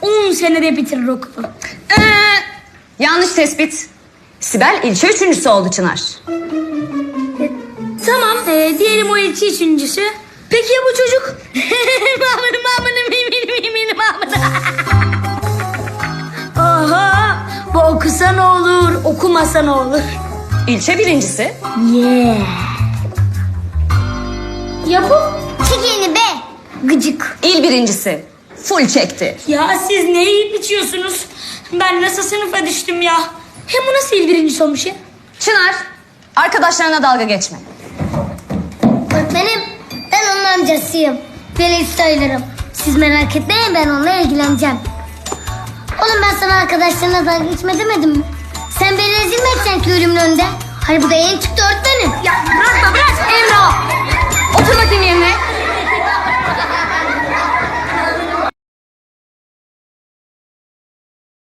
10 senede bitirir okulu. Yanlış tespit. Sibel ilçe üçüncüsü oldu Çınar. Tamam, diyelim o ilçe üçüncüsü. Peki ya bu çocuk? Aha, bu okusa ne olur, okumasa ne olur? İlçe birincisi. Yeah. Ya bu? Çekilini be. Gıcık. İl birincisi. Full çekti. Ya siz ne yiyip içiyorsunuz? Ben nasıl sınıfa düştüm ya? Hem bu nasıl il birincisi olmuş ya? Çınar, arkadaşlarına dalga geçme. Öğretmenim, ben onun amcasıyım. Veli sayılırım. Siz merak etmeyin, ben onunla ilgileneceğim. Oğlum ben sana arkadaşlarına dalga geçme demedim mi? Sen beni rezil mi edeceksin ki ölümün önünde? Hani bu da yeni çıktı öğretmenim. Ya bırak Emre. Otur bakayım yerine.